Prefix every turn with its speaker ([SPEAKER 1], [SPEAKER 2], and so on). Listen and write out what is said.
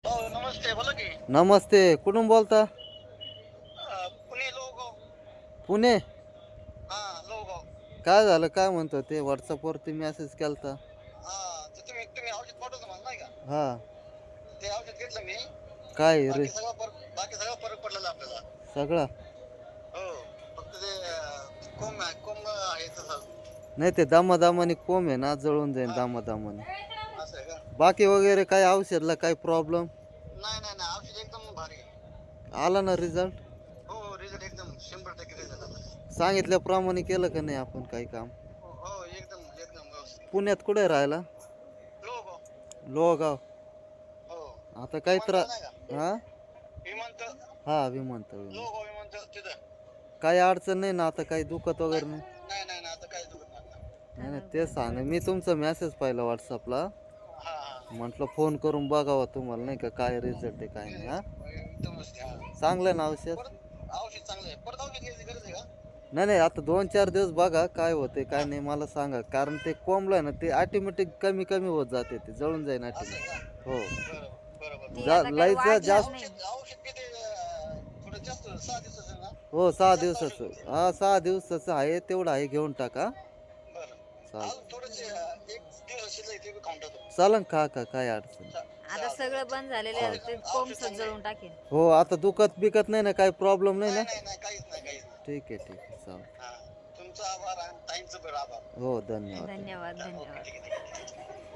[SPEAKER 1] हो नमस्ते बोला की
[SPEAKER 2] नमस्ते. कुठून बोलता?
[SPEAKER 1] पुणे लोहगाव.
[SPEAKER 2] पुणे.
[SPEAKER 1] हा लोहगाव.
[SPEAKER 2] काय झालं? काय म्हणतो ते WhatsAppवरती मेसेज केलता?
[SPEAKER 1] हा तर तुम्ही तुम्ही औषध पाठवलं मला नाही का?
[SPEAKER 2] हा.
[SPEAKER 1] ते औषध घेतलं मी.
[SPEAKER 2] काय रे?
[SPEAKER 1] बाकी सगळा फरक पडलेला आपल्याला.
[SPEAKER 2] सगळा?
[SPEAKER 1] हो. फक्त ते कोंब आहे तसं.
[SPEAKER 2] नाही ते दामादामाने कोंब आहे ना जळून जाईल
[SPEAKER 1] हा
[SPEAKER 2] दामादामाने.
[SPEAKER 1] असं आहे का?
[SPEAKER 2] बाकी वगैरे काय औषधला काय प्रॉब्लेम?
[SPEAKER 1] नाही नाही नाही औषध एकदम भारी आहे.
[SPEAKER 2] आला ना रिझल्ट?
[SPEAKER 1] हो रिझल्ट एकदम 100% रिझल्ट आला.
[SPEAKER 2] सांगितल्याप्रमाणे केलं का नाही आपण काही काम?
[SPEAKER 1] हो एकदम एकदम व्यवस्थित.
[SPEAKER 2] पुण्यात कुठे राहायला?
[SPEAKER 1] लोहगाव.
[SPEAKER 2] लोहगाव.
[SPEAKER 1] हो.
[SPEAKER 2] आता काय
[SPEAKER 1] विमानतळ नाही का?
[SPEAKER 2] हा.
[SPEAKER 1] विमानतळ.
[SPEAKER 2] हा विमानतळ.
[SPEAKER 1] लोहगाव विमानतळ तिथं.
[SPEAKER 2] काही अडचण नाही ना आता काही दुखत
[SPEAKER 1] नाही
[SPEAKER 2] वगैरे नाही?
[SPEAKER 1] नाही नाही नाही, आता काहीच दुखत नाही आता.
[SPEAKER 2] नाही नाही तेच सांग मी तुमचा मेसेज पाहिला WhatsAppला.
[SPEAKER 1] हा हा.
[SPEAKER 2] म्हटलं फोन करून बघावं तुम्हाला नाही का काय रिझल्ट आहे काय नाही. हा
[SPEAKER 1] एकदमच हा.
[SPEAKER 2] चांगलं ना औषध?
[SPEAKER 1] परत औषध चांगलं आहे. परत औषध घ्यायची गरज आहे का?
[SPEAKER 2] नाही नाही आता 2-4 दिवस बघा काय होते काय नाही मला सांगा कारण ते कोंबलं ना ते ऑटोमॅटिक कमी कमी होत जाते ते जळून जाईल
[SPEAKER 1] असं आहे का?
[SPEAKER 2] ऑटोमॅटिक हो.
[SPEAKER 1] बरोबर बरोबर
[SPEAKER 3] ती
[SPEAKER 2] जा
[SPEAKER 3] आता काही
[SPEAKER 2] लाईचं
[SPEAKER 3] वाढणार
[SPEAKER 2] जास्त.
[SPEAKER 3] नाही.
[SPEAKER 1] औषध किती थोडं जास्त 6 दिवसाचं आहे ना?
[SPEAKER 2] हो
[SPEAKER 1] की
[SPEAKER 2] 6
[SPEAKER 1] जास्त औषध
[SPEAKER 2] दिवसाचं.
[SPEAKER 1] होते?
[SPEAKER 2] हा 6 दिवसाचं आहे तेवढं आहे घेऊन टाका.
[SPEAKER 1] बरं.
[SPEAKER 2] चाल
[SPEAKER 1] अजून थोडंच एक दिवस शिल्लक ते बी खाऊन टाकतो.
[SPEAKER 2] चालन खा का काय अडचण नाही.
[SPEAKER 3] आता सगळं बंद झालेलं आहे. ते कोंब जळून टाकेल.
[SPEAKER 2] हो आता दुखत बिकत नाही ना काही प्रॉब्लेम नाही ना?
[SPEAKER 1] नाही नाही नाही काहीच नाही काहीच नाही.
[SPEAKER 2] ठीक आहे ठीक आहे चालेल.
[SPEAKER 1] हा तुमचा आभार आणि ताईंचं पण आभार.
[SPEAKER 2] हो धन्यवाद.
[SPEAKER 3] धन्यवाद
[SPEAKER 1] ओके
[SPEAKER 3] धन्यवाद.
[SPEAKER 1] ठीक आहे ठीक आहे.